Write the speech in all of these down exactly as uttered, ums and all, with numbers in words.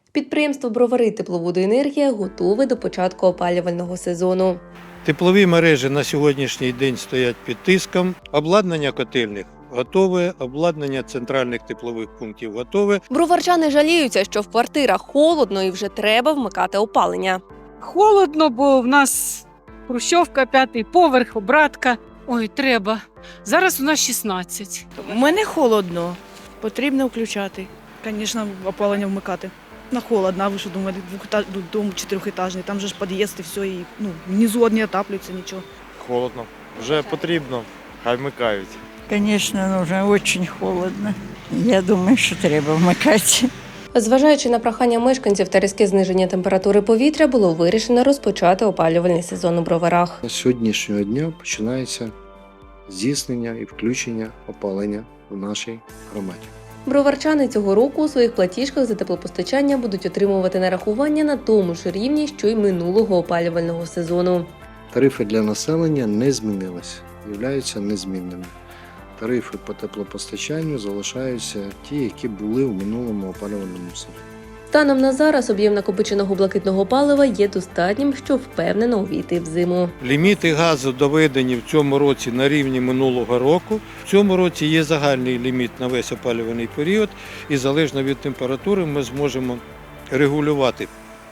Підприємство «Бровари Тепловодоенергія» готове до початку опалювального сезону. Теплові мережі на сьогоднішній день стоять під тиском, обладнання котельних готове, обладнання центральних теплових пунктів готове. Броварчани жаліються, що в квартирах холодно і вже треба вмикати опалення. Холодно, бо в нас хрущовка, п'ятий поверх, обратка. Ой, треба. Зараз у нас шістнадцять. У мене холодно, потрібно включати. Звісно, опалення вмикати. На холодно, а ви що думаєте, двохета- дом чотирьохетажний, там же ж під'їзд і все, і ну, внизу не отаплюється нічого. Холодно. Вже потрібно, хай вмикають. Конечно, нужно, очень холодно. Я думаю, що треба вмикати. Зважаючи на прохання мешканців та різке зниження температури повітря, було вирішено розпочати опалювальний сезон у Броварах. З сьогоднішнього дня починається здійснення і включення опалення в нашій громаді. Броварчани цього року у своїх платіжках за теплопостачання будуть отримувати нарахування на тому ж рівні, що й минулого опалювального сезону. Тарифи для населення не змінилися, являються незмінними. Тарифи по теплопостачанню залишаються ті, які були в минулому опалювальному сезоні. Станом на зараз об'єм накопиченого блакитного палива є достатнім, щоб впевнено увійти в зиму. Ліміти газу доведені в цьому році на рівні минулого року. В цьому році є загальний ліміт на весь опалювальний період, і залежно від температури ми зможемо регулювати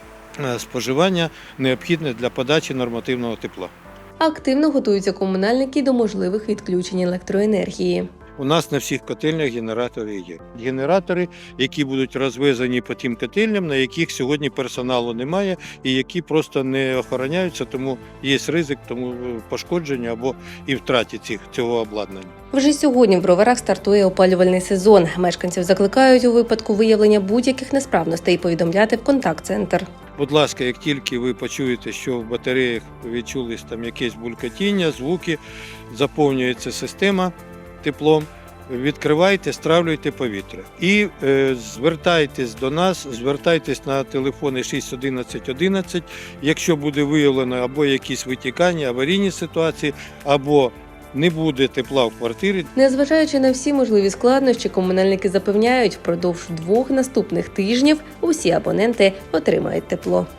споживання, необхідне для подачі нормативного тепла. Активно готуються комунальники до можливих відключень електроенергії. У нас на всіх котельнях генератори є. Генератори, які будуть розвезені по тим котельням, на яких сьогодні персоналу немає і які просто не охороняються, тому є ризик тому пошкодження або і втраті цих, цього обладнання. Вже сьогодні в Броварах стартує опалювальний сезон. Мешканців закликають у випадку виявлення будь-яких несправностей повідомляти в контакт-центр. Будь ласка, як тільки ви почуєте, що в батареях відчулись там якесь булькотіння, звуки, заповнюється система теплом, відкривайте, стравлюйте повітря. І е, звертайтесь до нас, звертайтесь на телефони шість одинадцять одинадцять, якщо буде виявлено або якісь витікання, аварійні ситуації, або не буде тепла в квартирі. Незважаючи на всі можливі складнощі, комунальники запевняють, впродовж двох наступних тижнів усі абоненти отримають тепло.